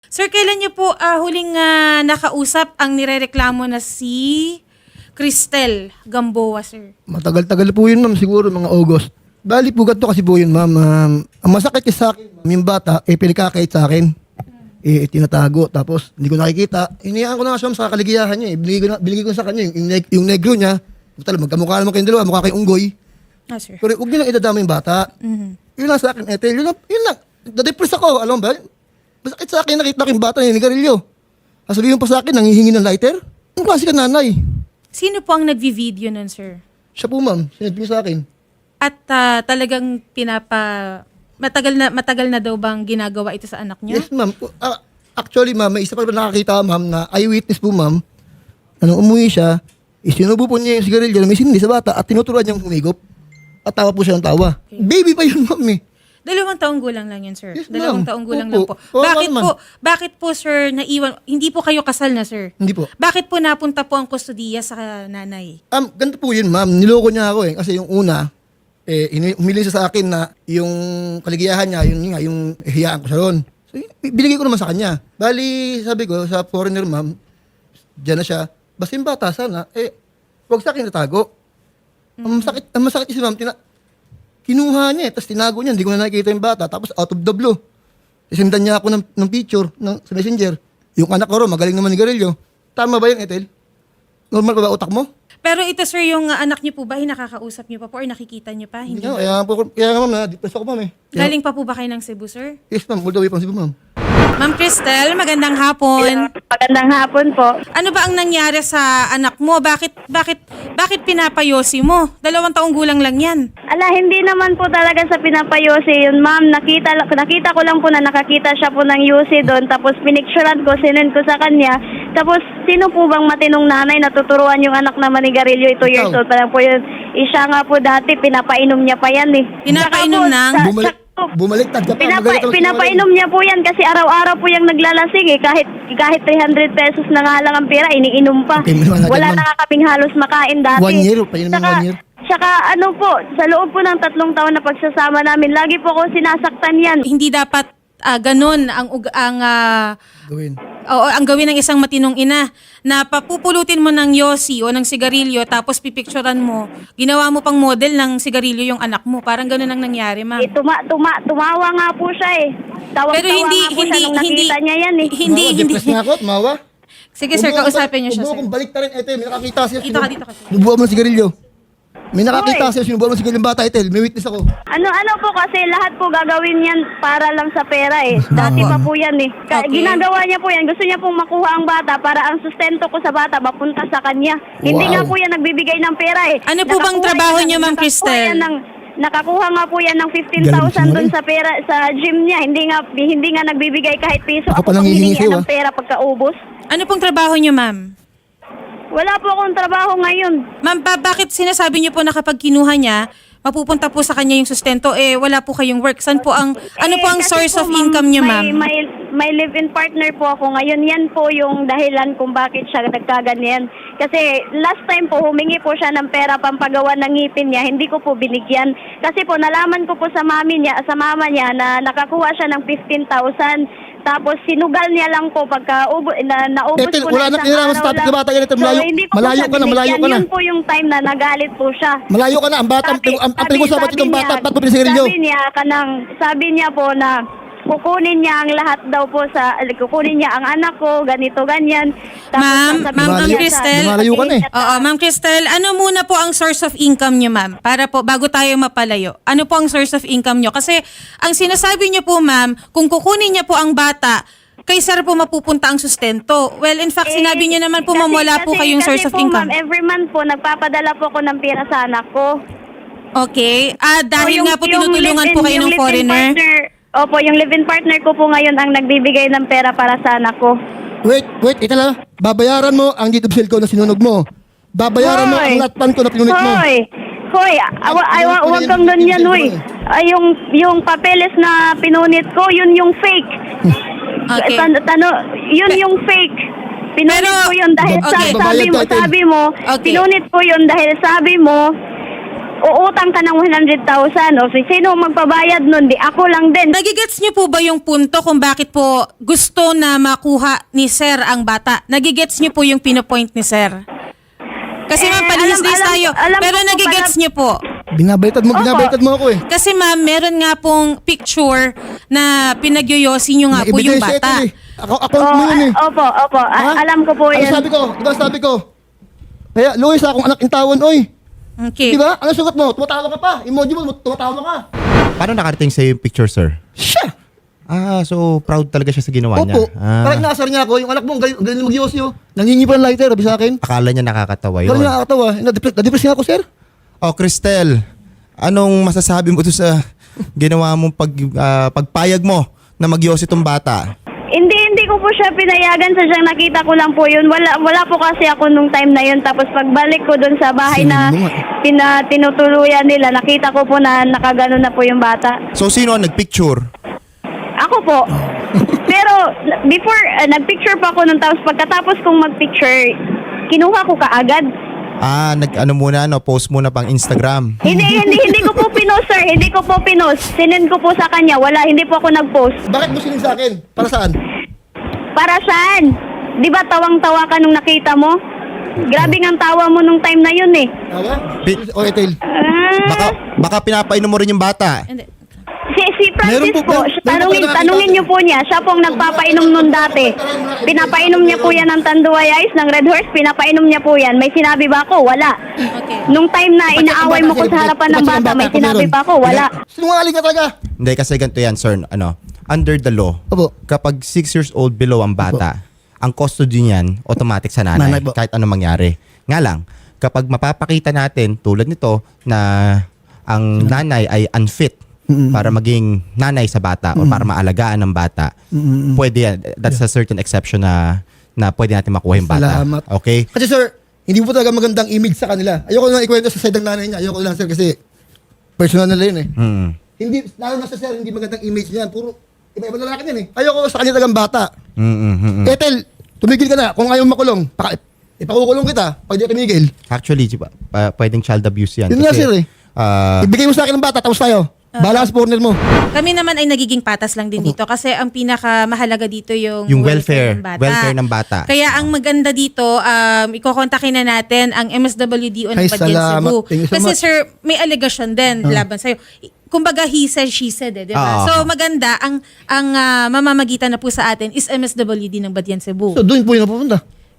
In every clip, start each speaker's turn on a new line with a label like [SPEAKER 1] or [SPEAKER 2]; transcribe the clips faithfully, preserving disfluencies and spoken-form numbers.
[SPEAKER 1] Sir, kailan niyo po ah, huling ah, nakausap ang nirereklamo na si Cristel Gamboa, sir?
[SPEAKER 2] Matagal-tagal po yun, ma'am. Siguro mga August. Bali po ganito kasi po yun, ma'am. Um, ang masakit kasi sa akin, ma'am, yung bata, eh, pinikakait sa akin. Eh, tinatago. Tapos, hindi ko nakikita. Iniyaan ko na nga siya, ma'am, sa kaligayahan niya. Eh. Binigay ko, na, binigay ko sa kanya. Yung, yung, neg- yung negro niya, talaga, magkamukha naman kayong dalawa, mukha kayong unggoy.
[SPEAKER 1] Ah, sir.
[SPEAKER 2] Pero huwag niyo lang idadama yung bata.
[SPEAKER 1] Mhm.
[SPEAKER 2] Yun lang sa akin, Ethel. Yun lang, yun lang. Nadepress ako. Alam mo ba? Masakit sa akin, nakita ko yung bata niya, nigarilyo. Sasabihin mo pa sa akin, nangihingi ng lighter? Ang klase ka nanay.
[SPEAKER 1] Sino po ang nagvi-video nun, sir?
[SPEAKER 2] Siya po, ma'am. Sinabi niya sa akin.
[SPEAKER 1] At ah, talagang pinapa... Matagal na matagal na daw bang ginagawa ito sa anak niya?
[SPEAKER 2] Yes, ma'am. Ah, actually, ma'am, may isa pa nakakita, ma'am, na eyewitness po, ma'am. Na nung umuwi siya, isinubo po niya yung sigarilyo na may sindi sa bata at tinuturuan niyang humigop. At tawa po siya ng tawa. Baby pa yun, ma'am, eh.
[SPEAKER 1] Dalawang taong gulang lang yun, sir.
[SPEAKER 2] Yes,
[SPEAKER 1] Dalawang
[SPEAKER 2] ma'am.
[SPEAKER 1] taong gulang lang
[SPEAKER 2] Opo.
[SPEAKER 1] po.
[SPEAKER 2] Oo,
[SPEAKER 1] Bakit
[SPEAKER 2] naman.
[SPEAKER 1] po, bakit po, sir, naiwan? Hindi po kayo kasal na, sir?
[SPEAKER 2] Hindi po.
[SPEAKER 1] Bakit po napunta po ang kustodiya sa nanay?
[SPEAKER 2] Um, ganito po yun, ma'am. Niloko niya ako, eh. Kasi yung una, eh, ini- humiling siya sa akin na yung kaligayahan niya, yun nga, yung hiyaan ko siya ron. So, y- binigay ko naman sa kanya. Bali, sabi ko, sa foreigner, ma'am, dyan na siya. Basta yung bata, sana, eh, huwag sa akin natago. Ang masakit, ang masakit kasi, ma'am, tina- kinuha niya, eh, tapos tinago niya, hindi ko na nakikita yung bata, tapos out of the blue. Isendan niya ako ng, ng picture ng, sa messenger. Yung anak ko ro, magaling naman ni Garillo. Tama ba yun, Ethel? Normal ba ba utak mo?
[SPEAKER 1] Pero ito, sir, yung uh, anak niyo po ba, nakakausap niyo pa po or nakikita niyo pa? Hindi.
[SPEAKER 2] Hindi. Kaya, po, kaya nga, ma'am, na-depress ako, ma'am, eh. Kaya-
[SPEAKER 1] Galing pa po ba kayo ng Cebu, sir?
[SPEAKER 2] Yes, ma'am. All the way from Cebu, ma'am.
[SPEAKER 1] Ma'am Cristel, magandang hapon.
[SPEAKER 3] Magandang hapon po.
[SPEAKER 1] Ano ba ang nangyari sa anak mo? Bakit bakit bakit pinapayosi mo? Dalawang taong gulang lang 'yan.
[SPEAKER 3] Ala, hindi naman po talaga sa pinapayosi yun, ma'am. Nakita, nakita ko lang po na nakakita siya po ng U C doon. Tapos pinicturean ko, sinend ko sa kanya. Tapos, sino po bang matinong nanay na tuturuan yung anak na manigarilyo? Ito years
[SPEAKER 2] Ikaw.
[SPEAKER 3] old pa lang po yun. Isya nga po dati, pinapainom niya pa yan eh.
[SPEAKER 1] Pinapainom
[SPEAKER 3] Saka po,
[SPEAKER 1] ng-
[SPEAKER 3] sa-
[SPEAKER 2] Bumalik,
[SPEAKER 3] sa-
[SPEAKER 2] bumaliktad ka pa.
[SPEAKER 3] Pinapa,
[SPEAKER 2] magalit ako sa
[SPEAKER 3] pinapainom niya po yan kasi araw-araw po yung naglalasing eh. Kahit kahit three hundred pesos na nga lang ang pera, iniinom pa.
[SPEAKER 2] Okay, maliwanag yan,
[SPEAKER 3] Wala
[SPEAKER 2] ma'am.
[SPEAKER 3] na nga kaming halos makain dati.
[SPEAKER 2] One year, painom ng
[SPEAKER 3] Saka-
[SPEAKER 2] one year.
[SPEAKER 3] Saka ano po, sa loob po ng tatlong taon na pagsasama namin, lagi po ako sinasaktan yan.
[SPEAKER 1] Hindi dapat ah, ganun ang ug- ang ah,
[SPEAKER 2] Gawin.
[SPEAKER 1] oo, ang gawin ng isang matinong ina na papupulutin mo ng yosi o ng sigarilyo tapos pipicturean mo. Ginawa mo pang model ng sigarilyo yung anak mo. Parang ganun ang nangyari, ma'am.
[SPEAKER 3] Eh, tuma, tuma, tumawa nga po siya eh. Tawang,
[SPEAKER 1] Pero hindi
[SPEAKER 3] nga po
[SPEAKER 1] hindi
[SPEAKER 3] siya nung
[SPEAKER 1] hindi
[SPEAKER 3] nakita niya yan eh.
[SPEAKER 1] hindi
[SPEAKER 2] Mawa,
[SPEAKER 1] hindi.
[SPEAKER 2] depressed na ako, mawa.
[SPEAKER 1] Sige, sir, kausapin niyo siya,
[SPEAKER 2] Huwag mo
[SPEAKER 1] sir.
[SPEAKER 2] akong balik ta rin, Ethel. May nakakita siya.
[SPEAKER 1] Dito ka, dito ka, sir.
[SPEAKER 2] Sinubuan mo ng sigarilyo. May nakakita
[SPEAKER 3] Hoy.
[SPEAKER 2] siya, sinubuan mo ng sigarilyo ng bata, Ethel. May witness ako.
[SPEAKER 3] Ano ano po kasi lahat po gagawin yan para lang sa pera eh. Dati pa po yan eh. Ka-
[SPEAKER 1] Okay.
[SPEAKER 3] Ginagawa niya po yan. Gusto niya pong makuha ang bata para ang sustento ko sa bata mapunta sa kanya. Hindi
[SPEAKER 2] Wow.
[SPEAKER 3] nga po yan nagbibigay ng pera eh.
[SPEAKER 1] Ano po bang
[SPEAKER 3] Nakakuha
[SPEAKER 1] trabaho
[SPEAKER 3] yan-
[SPEAKER 1] niyo, Ma'am
[SPEAKER 3] nakakuha
[SPEAKER 1] Cristel?
[SPEAKER 3] yan ng- Nakakuha nga po yan ng fifteen
[SPEAKER 2] Galing
[SPEAKER 3] thousand
[SPEAKER 2] mo
[SPEAKER 3] doon
[SPEAKER 2] rin.
[SPEAKER 3] sa pera sa gym niya. Hindi nga hindi nga nagbibigay kahit piso.
[SPEAKER 2] Ako
[SPEAKER 3] Ako
[SPEAKER 2] pa nang
[SPEAKER 3] pang
[SPEAKER 2] hihingi
[SPEAKER 3] hihingi
[SPEAKER 2] sa'yo,
[SPEAKER 3] ng
[SPEAKER 2] ah.
[SPEAKER 3] pera pagkaubos.
[SPEAKER 1] Ano pong trabaho niyo, ma'am?
[SPEAKER 3] Wala po akong trabaho ngayon.
[SPEAKER 1] Ma'am, ba- bakit sinasabi niyo po na kapag kinuha niya, mapupunta po sa kanya yung sustento, eh wala po kayong work? Saan po ang, ano po
[SPEAKER 3] Eh,
[SPEAKER 1] ang
[SPEAKER 3] kasi
[SPEAKER 1] source
[SPEAKER 3] po,
[SPEAKER 1] of income niyo,
[SPEAKER 3] May,
[SPEAKER 1] ma'am?
[SPEAKER 3] may, may live-in partner po ako ngayon. Yan po yung dahilan kung bakit siya nagkaganyan. Kasi last time po, humingi po siya ng pera pampagawa ng ngipin niya. Hindi ko po binigyan. Kasi po, nalaman ko po sa mami niya, sa mama niya na nakakuha siya ng fifteen thousand. Tapos sinugal niya lang po pagka ubo, na, naubos
[SPEAKER 2] Ethel,
[SPEAKER 3] po
[SPEAKER 2] wala
[SPEAKER 3] na
[SPEAKER 2] na
[SPEAKER 3] isang
[SPEAKER 2] kinalaman
[SPEAKER 3] araw
[SPEAKER 2] sa topic
[SPEAKER 3] lang.
[SPEAKER 2] na bata yan, Ethel. Malayo-
[SPEAKER 3] hindi ko po
[SPEAKER 2] malayo
[SPEAKER 3] siya
[SPEAKER 2] ka na, malayo
[SPEAKER 3] binigyan.
[SPEAKER 2] ka na.
[SPEAKER 3] Yun po yung time na nagalit po siya.
[SPEAKER 2] Malayo ka na. Ang bata, ang,
[SPEAKER 3] Sabi-
[SPEAKER 2] ang, ang
[SPEAKER 3] sabi-
[SPEAKER 2] pinag-usapan
[SPEAKER 3] sabi
[SPEAKER 2] itong bata,
[SPEAKER 3] niya-
[SPEAKER 2] ba't mo pinasigarilyo?
[SPEAKER 3] Sabi niya, kanang, sabi niya po na kukunin niya ang lahat daw po sa, kukunin niya ang anak ko, ganito, ganyan.
[SPEAKER 1] Ma'am,
[SPEAKER 3] sasabihin
[SPEAKER 1] Ma'am
[SPEAKER 3] niya
[SPEAKER 2] Malayo-
[SPEAKER 3] sa-
[SPEAKER 1] Cristel.
[SPEAKER 2] Malayo ka na eh.
[SPEAKER 1] Oo, Ma'am Cristel, ano muna po ang source of income niyo, ma'am? Para po, bago tayo mapalayo. Ano po ang source of income niyo? Kasi, ang sinasabi niyo po, ma'am, kung kukunin niya po ang bata, kay sir po mapupunta ang sustento. Well, in fact,
[SPEAKER 3] Eh,
[SPEAKER 1] sinabi niyo naman po, ma'am,
[SPEAKER 3] kasi-
[SPEAKER 1] wala po
[SPEAKER 3] kasi-
[SPEAKER 1] kayong source
[SPEAKER 3] kasi
[SPEAKER 1] of
[SPEAKER 3] po,
[SPEAKER 1] income.
[SPEAKER 3] Ma'am, every month po, nagpapadala po ako ng pera sa anak ko.
[SPEAKER 1] Okay. Ah, dahil
[SPEAKER 3] O, yung-
[SPEAKER 1] nga po
[SPEAKER 3] yung
[SPEAKER 1] tinutulungan
[SPEAKER 3] live-in-
[SPEAKER 1] po kayo
[SPEAKER 3] yung
[SPEAKER 1] ng
[SPEAKER 3] live-in
[SPEAKER 1] foreigner.
[SPEAKER 3] partner, opo, yung live-in partner ko po ngayon ang nagbibigay ng pera para sa anak ko.
[SPEAKER 2] Wait, wait, ito lang. Babayaran mo ang YouTube sale ko na sinunog mo. Babayaran mo
[SPEAKER 3] Hoy!
[SPEAKER 2] ang latpan ko na pinunit mo.
[SPEAKER 3] Hoy! Hoy, awa,
[SPEAKER 2] Ay,
[SPEAKER 3] awa,
[SPEAKER 2] ano
[SPEAKER 3] huwag
[SPEAKER 2] yun,
[SPEAKER 3] kang
[SPEAKER 2] yung
[SPEAKER 3] ganyan,
[SPEAKER 2] pinunit
[SPEAKER 3] hoy.
[SPEAKER 2] mo eh.
[SPEAKER 3] Ay, yung, yung papeles na pinunit ko, yun yung fake.
[SPEAKER 1] Okay.
[SPEAKER 3] Tan, tano, yun yung fake. Pinunit
[SPEAKER 1] Pero-
[SPEAKER 3] ko yun dahil
[SPEAKER 1] Okay.
[SPEAKER 3] sa, sabi
[SPEAKER 2] Babayad
[SPEAKER 3] mo,
[SPEAKER 2] tayo, Ted.
[SPEAKER 3] sabi mo,
[SPEAKER 1] Okay.
[SPEAKER 3] pinunit ko yun dahil sabi mo, uutang ka ng one hundred thousand. O si sino magpabayad nun? Di ako lang din.
[SPEAKER 1] Nagigets niyo po ba yung punto kung bakit po gusto na makuha ni Sir ang bata? Nagigets niyo po yung pinopoint ni Sir? Kasi ma'am,
[SPEAKER 3] Eh,
[SPEAKER 1] palihis-lihis
[SPEAKER 3] alam- alam-
[SPEAKER 1] tayo.
[SPEAKER 3] alam
[SPEAKER 1] Pero
[SPEAKER 3] ko po
[SPEAKER 1] nagigets
[SPEAKER 3] pala-
[SPEAKER 1] niyo po.
[SPEAKER 2] Binabaytad mo,
[SPEAKER 3] Opo.
[SPEAKER 2] binabaytad mo ako eh.
[SPEAKER 1] Kasi ma'am, meron nga pong picture na pinagyoyosi niyo nga
[SPEAKER 2] May
[SPEAKER 1] po yung
[SPEAKER 2] ebidensya ito
[SPEAKER 1] bata.
[SPEAKER 2] eh. Ako, ako
[SPEAKER 3] Oh,
[SPEAKER 2] mo yun eh.
[SPEAKER 3] ah, opo, opo. A-
[SPEAKER 2] Ha?
[SPEAKER 3] alam ko po
[SPEAKER 2] Ano
[SPEAKER 3] yan.
[SPEAKER 2] sabi ko? Diba sabi ko? Kaya, Luis, akong anak intawan, oy.
[SPEAKER 1] Okay.
[SPEAKER 2] Di ba? Ano sugat mo? Tumatawa ka pa. Emoji mo, tumatawa ka.
[SPEAKER 4] Paano nakarating sa'yo yung picture, sir?
[SPEAKER 2] Siya!
[SPEAKER 4] Ah, so proud talaga siya sa ginawa niya.
[SPEAKER 2] Opo.
[SPEAKER 4] Ah,
[SPEAKER 2] Parang inaasar niya ako. Yung anak mo, ang galing, ang galing mag-yosyo. Nangingi pa ng lighter, sabi sa akin.
[SPEAKER 4] akala niya nakakatawa yun.
[SPEAKER 2] Parang nakakatawa. Na-depress, na-depress nga ako, sir.
[SPEAKER 4] Oh, Cristel, anong masasabi mo to sa ginawa mong pag, ah, pagpayag mo na magyosi tong bata?
[SPEAKER 3] Hindi, hindi ko po siya pinayagan. Sadyang nakita ko lang po yun. Wala, wala po kasi ako nung time na yun. Tapos pagbalik ko dun sa bahay na
[SPEAKER 2] Sinin mo nga.
[SPEAKER 3] pina, tinutuluyan nila, nakita ko po na nakagano na po yung bata.
[SPEAKER 4] So, sino ang nagpicture?
[SPEAKER 3] Ako po. Pero before, uh, nagpicture pa ako nung tapos pagkatapos kong magpicture, kinuha ko kaagad.
[SPEAKER 4] Ah, nag-ano muna, no, post muna pang Instagram.
[SPEAKER 3] Hindi, hindi, hindi ko po pinost, sir. Hindi ko po pinost. Sinend ko po sa kanya. Wala, hindi po ako nag-post.
[SPEAKER 2] Bakit mo sinig sa akin? Para saan?
[SPEAKER 3] Para saan? Di ba tawang-tawa ka nung nakita mo? Grabe ang tawa mo nung time na yun eh.
[SPEAKER 2] Tawa?
[SPEAKER 4] Bi-
[SPEAKER 2] O, Ethel.
[SPEAKER 3] Ah,
[SPEAKER 4] Baka, baka pinapainom mo rin yung bata.
[SPEAKER 1] Hindi.
[SPEAKER 3] si, si Francis
[SPEAKER 2] Meron po-
[SPEAKER 3] po,
[SPEAKER 2] meron-
[SPEAKER 3] siya-
[SPEAKER 2] meron po
[SPEAKER 3] tanungin,
[SPEAKER 2] kayo nakakita?
[SPEAKER 3] tanungin niyo po niya. Siya po ang nagpapainom nun dati. Pinapainom niya po yan ng Tanduay Ice, ng Red Horse. Pinapainom niya po yan. May sinabi ba ako? Wala.
[SPEAKER 1] Okay.
[SPEAKER 3] Nung time na inaaway mo ko sa harapan ng bata, may sinabi pa ako? Wala.
[SPEAKER 2] Sinungaling ka talaga.
[SPEAKER 4] Hindi, kasi ganito yan, sir. Ano, under the law,
[SPEAKER 2] Opo.
[SPEAKER 4] kapag six years old below ang bata, ang custody niyan, automatic sa nanay,
[SPEAKER 2] Nanay po.
[SPEAKER 4] kahit ano mangyari. Nga lang, kapag mapapakita natin, tulad nito, na ang nanay ay unfit para maging nanay sa bata o para maalagaan ng bata, pwede yan. That's a certain exception na na pwede natin makuha yung bata.
[SPEAKER 2] Salamat.
[SPEAKER 4] Okay?
[SPEAKER 2] Kasi sir, hindi po talaga magandang image sa kanila. Ayoko na ikwento sa side ng nanay niya. Ayoko lang sir kasi personal nila yun eh.
[SPEAKER 4] Mm.
[SPEAKER 2] Hindi, lalo na sa sir, hindi magandang image niyan. Puro iba-iba na lalaki yan eh. Ayoko sa kanila talagang bata.
[SPEAKER 4] Mm, mm, mm, mm.
[SPEAKER 2] Ethel, tumigil ka na. Kung ayaw makulong, paka, ipakukulong kita pag di ka tumigil.
[SPEAKER 4] Actually, di ba, pa- pwedeng child abuse yan.
[SPEAKER 2] Yun nga, sir, eh.
[SPEAKER 4] ah,
[SPEAKER 2] Ibigay mo sa akin ng bata, tapos tayo. Bahala ka sa partner mo.
[SPEAKER 1] Kami naman ay nagiging patas lang din dito kasi ang pinakamahalaga dito yung,
[SPEAKER 4] Yung welfare,
[SPEAKER 1] ng bata.
[SPEAKER 4] welfare ng bata.
[SPEAKER 1] Kaya ang maganda dito, um, ikokontakin na natin ang M S W D O ng
[SPEAKER 2] Ay,
[SPEAKER 1] Badyan
[SPEAKER 2] salamat.
[SPEAKER 1] Cebu.
[SPEAKER 2] Thank you so
[SPEAKER 1] Kasi
[SPEAKER 2] much.
[SPEAKER 1] sir, may allegation din laban sa'yo. Kumbaga he said, she said eh, di ba?
[SPEAKER 4] Ah.
[SPEAKER 1] So maganda, ang ang ah, mamamagitan na po sa atin is M S W D ng Badyan Cebu.
[SPEAKER 2] So doon po yung napupunta.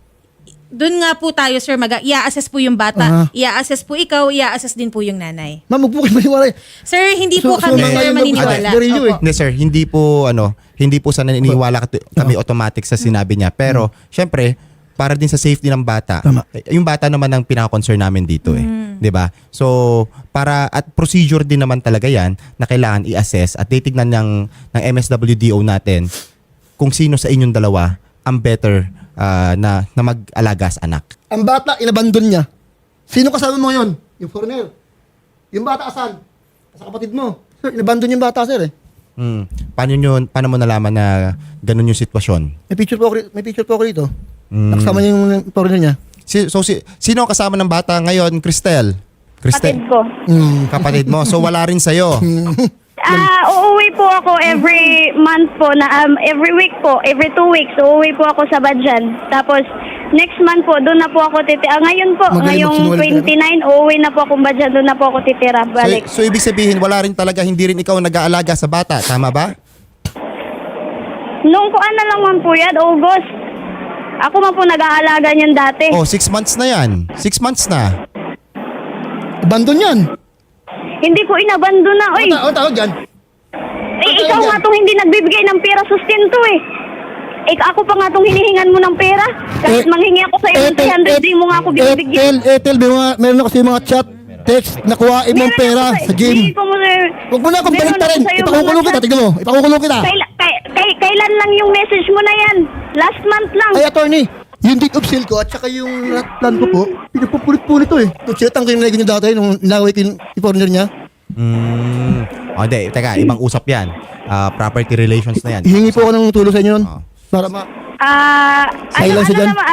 [SPEAKER 1] Doon nga po tayo sir, mag i-assess po yung bata,
[SPEAKER 2] Aha.
[SPEAKER 1] i-assess po ikaw, i-assess din po yung nanay.
[SPEAKER 2] Ma'am, huwag po kayo maniwala eh.
[SPEAKER 1] Sir, hindi
[SPEAKER 2] So-
[SPEAKER 1] po
[SPEAKER 2] so
[SPEAKER 1] kami
[SPEAKER 2] mga
[SPEAKER 1] sir
[SPEAKER 2] yun,
[SPEAKER 1] maniniwala.
[SPEAKER 2] very new eh.
[SPEAKER 1] Opo.
[SPEAKER 4] Hindi sir, hindi po ano, hindi po sa naniniwala kat- kami automatic sa sinabi niya. Pero syempre, para din sa safety ng bata.
[SPEAKER 2] Tama.
[SPEAKER 4] eh, Yung bata naman ang pinaka-concern namin dito eh. 'Di ba? So, para at procedure din naman talaga 'yan na kailangan i-assess at titignan ng ng M S W D O natin kung sino sa inyong dalawa ang better ah, na na mag-alaga sa anak.
[SPEAKER 2] Ang bata, inabandon niya. Sino kasama mo ngayon? Yung foreigner. Yung bata asan? Sa kapatid mo. Sir, inabandon yung bata, sir eh.
[SPEAKER 4] Hmm. Paano yun, paano mo nalaman na ganun yung sitwasyon?
[SPEAKER 2] May picture po ako, ri- may picture po ako rito.
[SPEAKER 4] Mm.
[SPEAKER 2] Nakasama niya yung foreigner niya.
[SPEAKER 4] Si, so si, sino ang kasama ng bata ngayon, Cristel?
[SPEAKER 3] Kapatid ko.
[SPEAKER 2] Mm.
[SPEAKER 4] Kapatid mo. So wala rin sa'yo.
[SPEAKER 3] Ah, uuwi po ako every month po na um, every week po, every two weeks uuwi po ako sa Badyan. Tapos next month po doon na po ako titira. Ah, ngayon po,
[SPEAKER 2] Magaling
[SPEAKER 3] ngayong
[SPEAKER 2] magsinungaling ka
[SPEAKER 3] twenty-nine uuwi na po ako Badyan, doon na po ako titira. Balik.
[SPEAKER 4] So, so ibig sabihin, wala rin talaga, hindi rin ikaw nag-aalaga sa bata. Tama ba?
[SPEAKER 3] Nung kuan na lang man po yan, August. Ako man po nag-aalaga niyan dati.
[SPEAKER 4] Oh, six months na yan. Six months na.
[SPEAKER 2] Abandon yan.
[SPEAKER 3] Hindi ko inabando na, oy.
[SPEAKER 2] Ano ta- ano tawag yan?
[SPEAKER 3] Eh, ikaw nga tong hindi nagbibigay ng pera sustento eh. Eh, ako pa nga tong hinihingan mo ng pera. Kahit
[SPEAKER 2] Eh,
[SPEAKER 3] manghingi ako sa iyo ng three hundred, di mo nga ako binibigyan.
[SPEAKER 2] Etel, Etel, may mga, meron ako sa mga chat, text, nakuhain mo ang pera
[SPEAKER 3] Meron ako
[SPEAKER 2] sa gym.
[SPEAKER 3] Hindi ko mo, sir.
[SPEAKER 2] Huwag mo na akong
[SPEAKER 3] Meron
[SPEAKER 2] balik pa rin.
[SPEAKER 3] ako sa'yo
[SPEAKER 2] Ipakukulong
[SPEAKER 3] mga
[SPEAKER 2] kita,
[SPEAKER 3] chat.
[SPEAKER 2] tignan mo. Ipakukulong kita.
[SPEAKER 3] Kaila, kay, kay, kailan lang yung message mo na yan? Last month lang.
[SPEAKER 2] Ay, attorney, yung date of sale ko at saka yung plan ko po, pinapupulit-pulit to eh. Ito, chinatang kayo nilagay niyo dati nung nilaway ko yung foreigner niya.
[SPEAKER 4] Hmm. Oh, hindi. Teka, ibang usap yan. Ah, property relations na yan.
[SPEAKER 2] Hihingi po ako ng tulong sa inyo nun.
[SPEAKER 4] Oh.
[SPEAKER 2] Para ma...
[SPEAKER 3] Ah, ano,
[SPEAKER 2] Silence
[SPEAKER 3] ano
[SPEAKER 2] dyan.
[SPEAKER 3] naman, ah,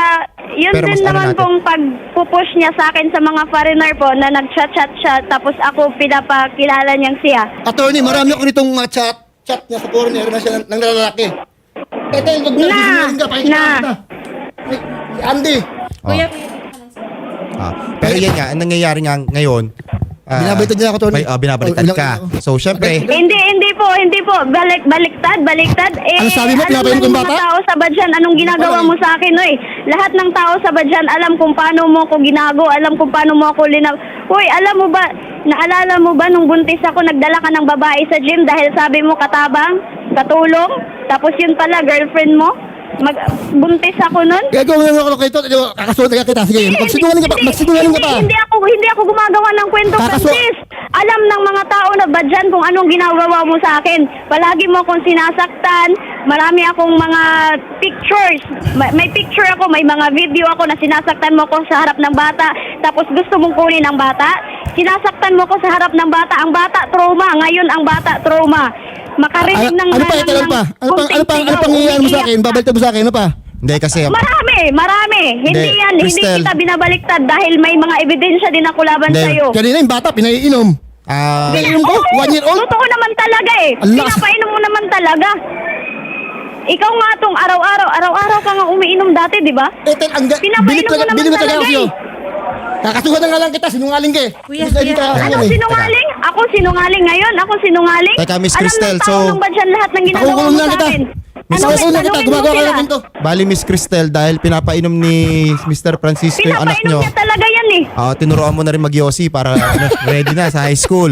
[SPEAKER 3] Yun
[SPEAKER 4] Pero mas
[SPEAKER 3] din
[SPEAKER 4] ano
[SPEAKER 3] naman
[SPEAKER 4] natin-
[SPEAKER 3] pong pag-push niya sa akin sa mga foreigner po na nag-chat-chat siya tapos ako pinapakilala niyang siya.
[SPEAKER 2] Attorney, marami ako nitong mga chat, chat niya sa foreigner na siya ng, ng lalaki. Ito yung wag mo
[SPEAKER 3] Na,
[SPEAKER 2] sisinungaling ka, pakikita
[SPEAKER 3] na.
[SPEAKER 2] kita. Ay, si Andy.
[SPEAKER 1] Kuya,
[SPEAKER 4] Ah, pero yan nga, ang nangyayari nga ngayon, ah,
[SPEAKER 2] Binabaliktad niya ako, Tony.
[SPEAKER 4] may- ah, binabaliktad
[SPEAKER 2] Oh, ilang-
[SPEAKER 4] ka.
[SPEAKER 2] ilang-
[SPEAKER 4] So, syempre,
[SPEAKER 3] Hindi, hindi po, hindi po. Balik, baliktad, baliktad. Eh,
[SPEAKER 2] Ano sabi mo,
[SPEAKER 3] alam
[SPEAKER 2] pinapainom
[SPEAKER 3] ng
[SPEAKER 2] kong
[SPEAKER 3] mga
[SPEAKER 2] bata?
[SPEAKER 3] tao sa Badyan, anong ginagawa
[SPEAKER 2] Ano
[SPEAKER 3] mo sa akin, oy? Lahat ng tao sa Badyan, alam kung paano mo ako ginago, alam kung paano mo ako linaw. Uy, alam mo ba, naalala mo ba nung buntis ako, nagdala ka ng babae sa gym dahil sabi mo katabang, katulong, tapos yun pala, girlfriend mo? Mag, buntis ako nun?
[SPEAKER 2] Gagawin nga ako kay Tony. Kakasunod ka kita. Sige, magsinungaling ka pa.
[SPEAKER 3] Hindi,
[SPEAKER 2] Magsinungaling ka pa.
[SPEAKER 3] Hindi, hindi ako hindi ako gumagawa ng kwento,
[SPEAKER 2] Kakaso-
[SPEAKER 3] Francis. Alam ng mga tao na ba dyan kung anong ginagawa mo sa akin. Palagi mo akong sinasaktan. Marami akong mga pictures. May, may picture ako, may mga video ako na sinasaktan mo ko sa harap ng bata. Tapos gusto mong kunin ang bata. Sinasaktan mo ko sa harap ng bata. Ang bata trauma. Ngayon ang bata trauma. Makarinig
[SPEAKER 2] Ano,
[SPEAKER 3] ng
[SPEAKER 2] ano pa,
[SPEAKER 3] ng-
[SPEAKER 2] ito lang pa? Ano pa, ano pa, ano
[SPEAKER 3] kunting
[SPEAKER 2] pang iyan mo sa
[SPEAKER 3] sigaw,
[SPEAKER 2] akin? Babaliktad mo sa akin, ano pa?
[SPEAKER 4] hindi kasi,
[SPEAKER 3] Marami, marami. Hindi
[SPEAKER 4] Hindi,
[SPEAKER 3] yan,
[SPEAKER 4] Cristel.
[SPEAKER 3] hindi kita binabaliktad dahil may mga ebidensya din ako laban
[SPEAKER 4] Hindi.
[SPEAKER 3] sa'yo.
[SPEAKER 2] Kanina yung bata, pinaiinom.
[SPEAKER 4] ah,
[SPEAKER 2] Pinaiinom ko?
[SPEAKER 3] Oo,
[SPEAKER 2] One year old?
[SPEAKER 3] Totoo naman talaga eh.
[SPEAKER 2] Ang lakas.
[SPEAKER 3] Pinapainom mo naman talaga. Ikaw nga tong araw-araw, araw-araw ka nga umiinom dati, di ba?
[SPEAKER 2] Ito, ang ga-
[SPEAKER 3] Pinapainom
[SPEAKER 2] bilit
[SPEAKER 3] mo
[SPEAKER 2] talaga,
[SPEAKER 3] naman
[SPEAKER 2] bilit talaga ako
[SPEAKER 3] talaga
[SPEAKER 2] sa'yo.
[SPEAKER 3] eh.
[SPEAKER 2] Kakasuhan na nga lang kita, sinungaling ka eh.
[SPEAKER 1] Kuya,
[SPEAKER 2] Hindi ka- hindi
[SPEAKER 1] kuya.
[SPEAKER 2] ka-
[SPEAKER 3] Ano
[SPEAKER 2] ano eh.
[SPEAKER 3] sinungaling? Ako sinungaling ngayon? Ako sinungaling?
[SPEAKER 4] Teka, Miss
[SPEAKER 3] Alam
[SPEAKER 4] Cristel,
[SPEAKER 3] ng tao
[SPEAKER 4] so-
[SPEAKER 3] nung ba dyan lahat ng ginagawa
[SPEAKER 2] Pakukulong
[SPEAKER 3] mo
[SPEAKER 2] lang
[SPEAKER 3] sa
[SPEAKER 2] kita.
[SPEAKER 3] akin?
[SPEAKER 2] Miss,
[SPEAKER 3] Ano,
[SPEAKER 2] pakukulong lang kita,
[SPEAKER 3] tanungin mo
[SPEAKER 2] gumagawa ka
[SPEAKER 3] sila.
[SPEAKER 2] lang ganito.
[SPEAKER 4] bali Miss Cristel, dahil pinapainom ni Mister Francisco yung anak
[SPEAKER 3] Pinapainom
[SPEAKER 4] nyo,
[SPEAKER 3] niya talaga yan eh.
[SPEAKER 4] ah, tinuruan mo na rin mag-yosi para ano, ready na sa high school.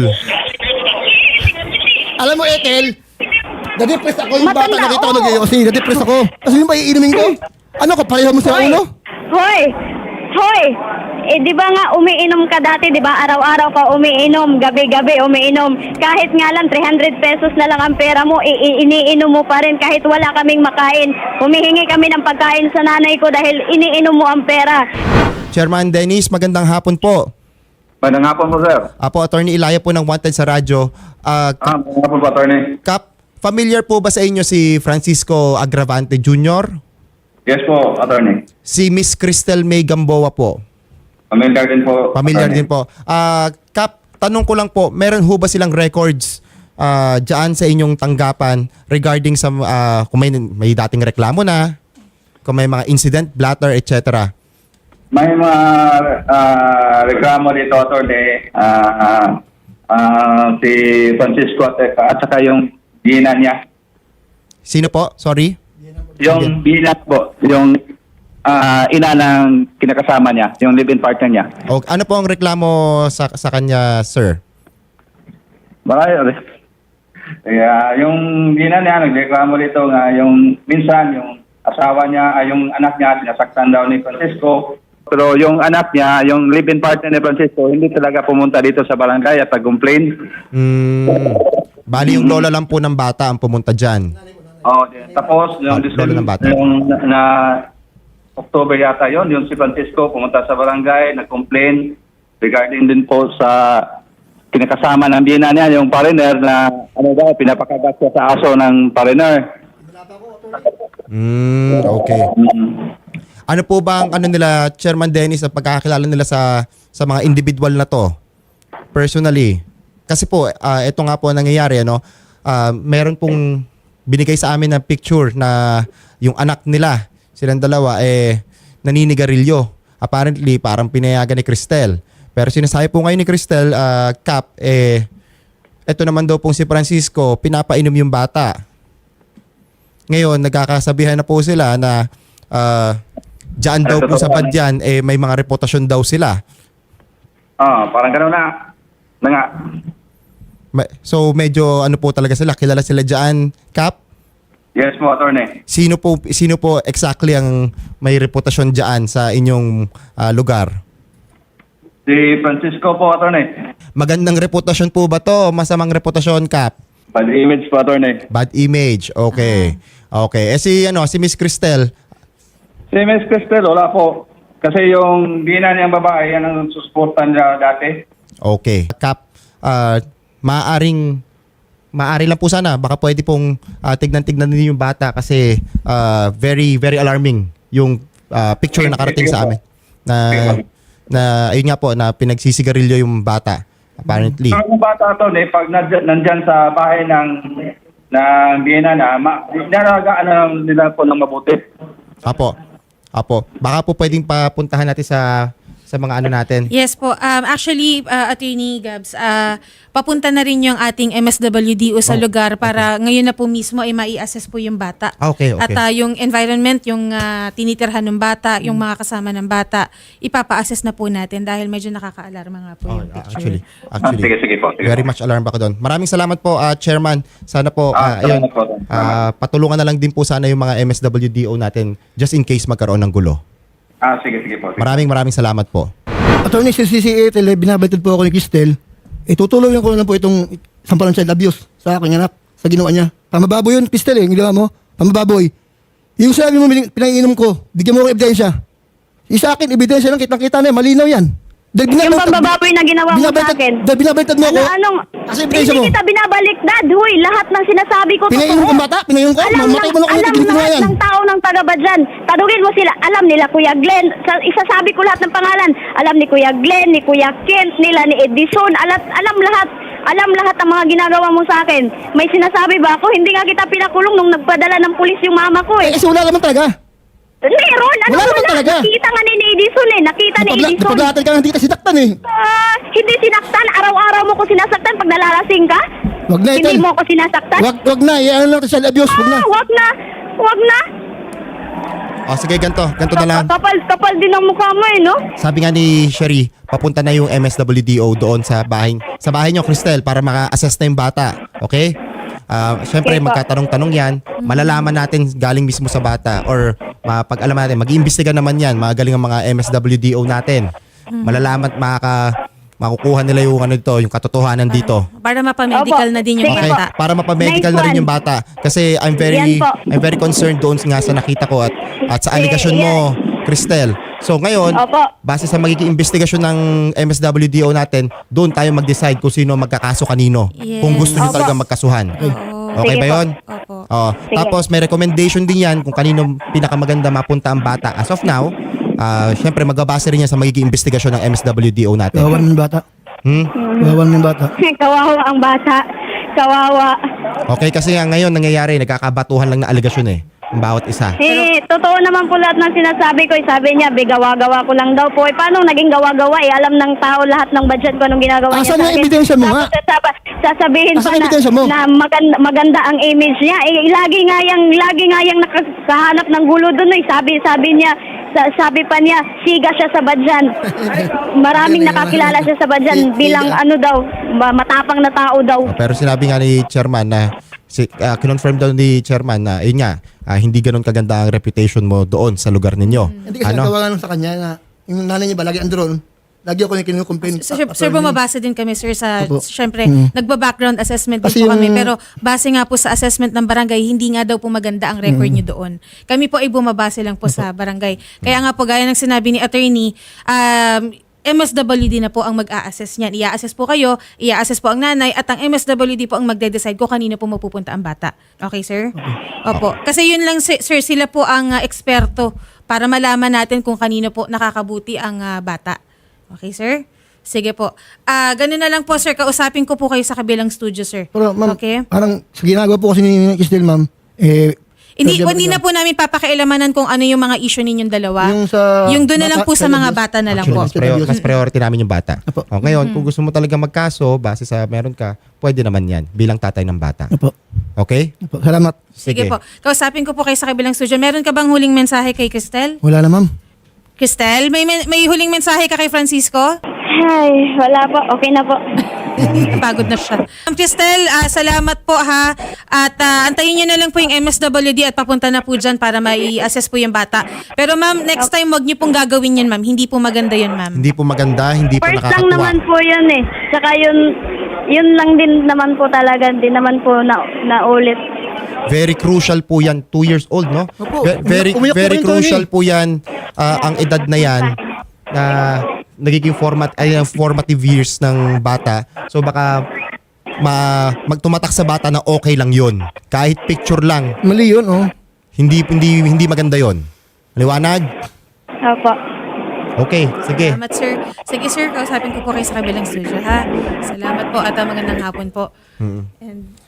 [SPEAKER 2] Alam mo, Ethel, na-depress ako yung bata
[SPEAKER 3] Matanda,
[SPEAKER 2] nakita ko
[SPEAKER 3] oo.
[SPEAKER 2] nag-iossi. Na-depress ako. Kasi yung ba iinumin ko? Ano ko, pareho mo sa
[SPEAKER 3] Hoy!
[SPEAKER 2] ulo?
[SPEAKER 3] Hoy! Hoy! Eh, di ba nga umiinom ka dati, di ba? Araw-araw ka umiinom, gabi-gabi umiinom. Kahit nga lang three hundred pesos na lang ang pera mo, i- i- iniinom mo pa rin kahit wala kaming makain. Humihingi kami ng pagkain sa nanay ko dahil iniinom mo ang pera.
[SPEAKER 4] Chairman Dennis, magandang hapon po.
[SPEAKER 5] Magandang hapon po, sir.
[SPEAKER 4] Apo, Attorney Ilaya po ng Wanted sa radyo. Ah,
[SPEAKER 5] Ah, magandang hapon po, attorney.
[SPEAKER 4] Kap, familiar po ba sa inyo si Francisco Agravante Junior?
[SPEAKER 5] Yes po, attorney.
[SPEAKER 4] Si Miss Cristel May Gamboa po.
[SPEAKER 5] Familiar din po.
[SPEAKER 4] Familiar
[SPEAKER 5] attorney.
[SPEAKER 4] din po. Ah, Kap, tanong ko lang po, meron ho ba silang records ah dyan sa inyong tanggapan regarding sa ah, kung may, may dating reklamo na, kung may mga incident, blatter, et cetera.
[SPEAKER 5] May mga ah, reklamo dito, attorney. Ah, ah, si Francisco at, at saka yung bina niya.
[SPEAKER 4] Sino po? Sorry?
[SPEAKER 5] Yung bina po, yung ah, ina ng kinakasama niya, yung live-in partner niya.
[SPEAKER 4] O, ano po ang reklamo sa sa kanya, sir?
[SPEAKER 5] Marami. Kaya yung bina niya, nagreklamo dito nga yung minsan yung asawa niya, ay yung anak niya, sinasaktan daw ni Francisco. Pero yung anak niya, yung live-in partner ni Francisco, hindi talaga pumunta dito sa barangay at nag-complain.
[SPEAKER 4] Hmm, bali yung lola lang po ng bata ang pumunta dyan.
[SPEAKER 5] Oh, tapos yung,
[SPEAKER 4] Ah, lolo ng bata.
[SPEAKER 5] yung na, na October yata yon, yung si Francisco pumunta sa barangay, nag-complain regarding din po sa kinakasama ng bina niya, yung foreigner na ano daw, pinapakagat siya sa aso ng foreigner.
[SPEAKER 4] Hmm, okay.
[SPEAKER 5] Mm.
[SPEAKER 4] Ano po ba ang ano nila, Chairman Dennis, ang pagkakakilala nila sa sa mga individual na to? Personally. Kasi po, ah, ito nga po ang nangyayari, ano, ah, meron pong binigay sa amin na picture na yung anak nila, silang dalawa, eh, naninigarilyo. Apparently, parang pinayagan ni Cristel. Pero sinasabi po ngayon ni Cristel, ah, Cap, eh, ito naman daw pong si Francisco, pinapainom yung bata. Ngayon, nagkakasabihan na po sila na ah, dyan daw po sa Badyan, eh, may mga reputasyon daw sila.
[SPEAKER 5] Ah, parang gano'n na. Na nga.
[SPEAKER 4] Ma- So, medyo ano po talaga sila, kilala sila dyan, Cap?
[SPEAKER 5] Yes po, attorney.
[SPEAKER 4] Sino po, sino po exactly ang may reputasyon dyan sa inyong ah, lugar?
[SPEAKER 5] Si Francisco po, attorney.
[SPEAKER 4] Magandang reputasyon po ba to? Masamang reputasyon, Cap?
[SPEAKER 5] Bad image po, attorney.
[SPEAKER 4] Bad image. Okay. Okay. Eh si, ano, si Miss Cristel,
[SPEAKER 5] Si Miss Cristel, wala po. Kasi yung bina niyang babae, yan ang susuportan niya dati.
[SPEAKER 4] okay. Cap, ah, maaring, maari lang po sana, baka pwede pong ah, tignan-tignan din yung bata kasi ah, very, very alarming yung ah, picture na nakarating sa amin na na ayun nga po na pinagsisigarilyo yung bata apparently.
[SPEAKER 5] Ang bata to, eh, pag nandyan, nandyan sa bahay ng ng biyena na, ma, naragaan na nila po ng mabuti.
[SPEAKER 4] Apo. Apo. Baka po pwedeng papuntahan natin sa sa mga ano natin.
[SPEAKER 1] Yes po. Um, actually, uh, Attorney Gabs, uh, papunta na rin yung ating M S W D O sa
[SPEAKER 4] Oh,
[SPEAKER 1] lugar para ngayon na po mismo ay mai-assess po yung bata.
[SPEAKER 4] Ah, okay, okay.
[SPEAKER 1] At uh, yung environment, yung uh, tinitirhan ng bata, yung mga kasama ng bata, ipapa-assess na po natin dahil medyo nakaka-alarma nga po
[SPEAKER 4] Oh,
[SPEAKER 1] yung picture.
[SPEAKER 4] actually,
[SPEAKER 5] Ah,
[SPEAKER 4] actually.
[SPEAKER 5] sige, sige po. Sige
[SPEAKER 4] Very
[SPEAKER 5] po.
[SPEAKER 4] much alarm ako doon. Maraming salamat po, ah, Chairman. Sana po,
[SPEAKER 5] Ah,
[SPEAKER 4] ah, ayun,
[SPEAKER 5] salamat po.
[SPEAKER 4] ah, patulungan na lang din po sana yung mga M S W D O natin just in case magkaroon ng gulo.
[SPEAKER 5] Ah, sige, sige po. Sige.
[SPEAKER 4] Maraming maraming salamat po.
[SPEAKER 2] Attorney, sa C C A T L, binabatid po ako ni Cristel. Eh, tutuloyan ko na lang po itong sampalan child abuse sa aking anak, sa ginawa niya. Pamababoy yun, Cristel, eh. Yung ginawa mo, pamababoy. Yung sabi mo, pinanginom ko, bigyan mo ko ebidensya. Yung sa akin, ebidensya lang, kitang-kita na yan, malinaw yan. Dahil
[SPEAKER 3] Yung
[SPEAKER 2] binabaltad-
[SPEAKER 3] pambababoy na ginawa mo sa
[SPEAKER 2] binabaltad-
[SPEAKER 3] akin.
[SPEAKER 2] Dahil binabaliktad mo ako.
[SPEAKER 3] Ano, anong,
[SPEAKER 2] Kasi ebidensya
[SPEAKER 3] hindi
[SPEAKER 2] mo.
[SPEAKER 3] kita binabaliktad, huy. Lahat ng sinasabi ko
[SPEAKER 2] Pinainom
[SPEAKER 3] totoo.
[SPEAKER 2] ko bata, pinainom ko,
[SPEAKER 3] Alam,
[SPEAKER 2] mamatay
[SPEAKER 3] ng,
[SPEAKER 2] mo na ako
[SPEAKER 3] alam
[SPEAKER 2] ng ginawa
[SPEAKER 3] lahat
[SPEAKER 2] yan.
[SPEAKER 3] ng tao ng taga dyan. Tanungin mo sila, alam nila Kuya Glenn. Sa, isasabi ko lahat ng pangalan. Alam ni Kuya Glenn, ni Kuya Kent, nila ni Edison. Alam, alam lahat. Alam lahat ng mga ginagawa mo sa akin. May sinasabi ba ako? Hindi nga kita pinakulong nung nagpadala ng pulis yung mama ko
[SPEAKER 2] Eh,
[SPEAKER 3] eh.
[SPEAKER 2] kasi wala naman talaga.
[SPEAKER 3] Meron, ano
[SPEAKER 2] Wala naman
[SPEAKER 3] wala?
[SPEAKER 2] talaga.
[SPEAKER 3] Nakita nga ni Edison eh. Nakita ni
[SPEAKER 2] Napagla-
[SPEAKER 3] Edison.
[SPEAKER 2] Napaglatad ka ng tita sinaktan eh.
[SPEAKER 3] Ah, hindi sinaktan. Araw-araw mo ko sinasaktan pag nalalasing ka?
[SPEAKER 2] Wag na,
[SPEAKER 3] Hindi
[SPEAKER 2] Ethel.
[SPEAKER 3] mo ako sinasaktan?
[SPEAKER 2] Wag, wag na, eh, ano lang ito, child abuse, wag na.
[SPEAKER 3] Ah, wag na. Wag na.
[SPEAKER 4] O sige, ganito, ganito na lang.
[SPEAKER 3] Kapal, kapal din ang mukha mo eh, no?
[SPEAKER 4] Sabi nga ni Sherry, papunta na yung M S W D O doon sa bahay, sa bahay nyo, Cristel, para maka-assess na yung bata. Okay? Ah, Siyempre,
[SPEAKER 3] Okay po.
[SPEAKER 4] magkatanong-tanong yan. Malalaman natin galing mismo sa bata or mapag-alaman natin. Mag-iimbestiga naman yan. Magaling ang mga M S W D O natin. Malalaman, makaka, makukuha nila yung ano dito, yung katotohanan dito.
[SPEAKER 1] Para mapamedical
[SPEAKER 3] Opo.
[SPEAKER 1] na din yung
[SPEAKER 3] Sige
[SPEAKER 4] Okay,
[SPEAKER 1] bata.
[SPEAKER 4] para mapamedical
[SPEAKER 3] Nice
[SPEAKER 4] na rin
[SPEAKER 3] one.
[SPEAKER 4] yung bata. Kasi I'm very
[SPEAKER 3] Yan po.
[SPEAKER 4] I'm very concerned doon nga sa nakita ko at at sa allegation mo, Cristel. So ngayon,
[SPEAKER 3] Opo.
[SPEAKER 4] base sa magiging investigasyon ng M S W D O natin, doon tayo mag-decide kung sino magkakaso kanino.
[SPEAKER 1] Yes.
[SPEAKER 4] Kung gusto niyo
[SPEAKER 3] Opo.
[SPEAKER 4] talaga magkasuhan.
[SPEAKER 1] Oo.
[SPEAKER 4] Okay
[SPEAKER 3] Sige
[SPEAKER 4] ba
[SPEAKER 3] po.
[SPEAKER 4] 'yon?
[SPEAKER 1] Opo.
[SPEAKER 4] Oo. Tapos may recommendation din yan kung kanino pinakamaganda mapunta ang bata. As of now, ah syempre magbabase rin yan sa magiging investigasyon ng M S W D O natin.
[SPEAKER 2] Kawawan mo yung bata.
[SPEAKER 4] Hmm?
[SPEAKER 2] Kawawan mo yung bata.
[SPEAKER 3] Kawawa ang bata. Kawawa.
[SPEAKER 4] Okay, kasi nga ngayon nangyayari, nagkakabatuhan lang na allegation eh. Ang bawat isa.
[SPEAKER 3] Eh, totoo naman po lahat ng sinasabi ko. Eh, sabi niya, be, gawa-gawa ko lang daw po. Eh, paano naging gawa-gawa? Eh, alam ng tao lahat ng budget ko anong ginagawa niya
[SPEAKER 2] Asan
[SPEAKER 3] sa
[SPEAKER 2] yung
[SPEAKER 3] akin.
[SPEAKER 2] ebidensya mo nga?
[SPEAKER 3] Tapos sasaba- sasabihin
[SPEAKER 2] Asan
[SPEAKER 3] pa
[SPEAKER 2] yung
[SPEAKER 3] na,
[SPEAKER 2] ebidensya mo?
[SPEAKER 3] na maganda, maganda ang image niya. Eh, lagi nga yang, lagi nga yang nakahanap ng gulo doon. Eh. Sabi, sabi niya, sa, sabi pa niya, siga siya sa badyan. Maraming nakakilala siya sa badyan bilang ano daw, ma- matapang na tao daw.
[SPEAKER 4] Oh, pero sinabi nga ni Chairman na si, ah, kinonfirm daw ni Chairman na yun nga, ah, hindi ganun kaganda ang reputation mo doon sa lugar ninyo.
[SPEAKER 2] Hindi kasi
[SPEAKER 4] Ano?
[SPEAKER 2] nagawa lang sa kanya na yung nanay niya ba, lagi andron. Lagi ako yung kinukumpin.
[SPEAKER 1] So, sir, sir, bumabase din kami, sir, sa,
[SPEAKER 2] Opo.
[SPEAKER 1] syempre,
[SPEAKER 2] Mm.
[SPEAKER 1] nagba-background assessment din
[SPEAKER 2] Kasi
[SPEAKER 1] po kami.
[SPEAKER 2] yung-
[SPEAKER 1] Pero base nga po sa assessment ng barangay, hindi nga daw po maganda ang record nyo doon. Kami po ay bumabase lang po sa barangay. Kaya nga po, gaya ng sinabi ni attorney, um, M S W D na po ang mag-a-assess niyan. I-a-assess po kayo, i-a-assess po ang nanay, at ang M S W D po ang magde-decide kung kanino po mapupunta ang bata. Okay, sir? Opo. Kasi yun lang, sir, sir, sila po ang uh, eksperto para malaman natin kung kanino po nakakabuti ang uh, bata. Okay, sir? Sige po. Ah, ganun na lang po, sir. Kausapin ko po kayo sa kabilang studio, sir.
[SPEAKER 2] Pero ma'am,
[SPEAKER 1] Okay?
[SPEAKER 2] parang sa ginagawa po kasi ni Cristel, ma'am, eh,
[SPEAKER 1] Hindi,
[SPEAKER 2] sabi
[SPEAKER 1] hindi
[SPEAKER 2] niya,
[SPEAKER 1] na po namin papakialamanan kung ano yung mga issue ninyong dalawa.
[SPEAKER 2] Yung sa
[SPEAKER 1] Yung doon na lang
[SPEAKER 2] bata-
[SPEAKER 1] po sa
[SPEAKER 2] child
[SPEAKER 1] mga
[SPEAKER 2] abuse.
[SPEAKER 1] bata na lang
[SPEAKER 4] Actually,
[SPEAKER 1] po.
[SPEAKER 4] mas, prior- mas priority namin yung bata.
[SPEAKER 2] Apo.
[SPEAKER 4] O, ngayon, kung gusto mo talaga magkaso, base sa meron ka, pwede naman yan bilang tatay ng bata.
[SPEAKER 2] Opo.
[SPEAKER 4] Okay?
[SPEAKER 2] Opo. Salamat.
[SPEAKER 1] Sige po. Kausapin ko po kayo sa kabilang studio. Meron ka bang huling mensahe kay Cristel?
[SPEAKER 2] Wala na, ma'am.
[SPEAKER 1] Cristel, may, men- may huling mensahe ka kay Francisco?
[SPEAKER 3] Ay, wala po. Okay na po.
[SPEAKER 1] Napagod na siya. Ma'am Cristel, ah, salamat po ha. At ah, antayin nyo na lang po yung M S W D at papunta na po dyan para mai-assess po yung bata. Pero ma'am, next time wag nyo pong gagawin yan, ma'am. Hindi po maganda yun, ma'am.
[SPEAKER 4] Hindi po maganda, hindi po
[SPEAKER 3] First lang
[SPEAKER 4] nakakatuwa.
[SPEAKER 3] naman po yun eh. Tsaka yun, yun lang din naman po talaga. Hindi naman po na, naulit.
[SPEAKER 4] Very crucial po yan, two years old, no?
[SPEAKER 2] Opo.
[SPEAKER 4] Ve- Very,
[SPEAKER 2] Umiyak- umiyak po
[SPEAKER 4] very
[SPEAKER 2] rin,
[SPEAKER 4] crucial
[SPEAKER 2] Tony.
[SPEAKER 4] po yan, ah, ang edad na yan, na nagiging format, ay, ang formative years ng bata. So baka ma, magtumatak sa bata na okay lang yun. Kahit picture lang,
[SPEAKER 2] Mali yun, oh.
[SPEAKER 4] hindi, hindi, hindi maganda yon. Liwanag?
[SPEAKER 3] Opo.
[SPEAKER 4] Okay, sige.
[SPEAKER 1] Salamat, sir. Sige, sir. Kausapin ko po kayo sa kabilang studio, ha? Salamat po at ah, magandang hapon po.
[SPEAKER 4] Mm.
[SPEAKER 1] And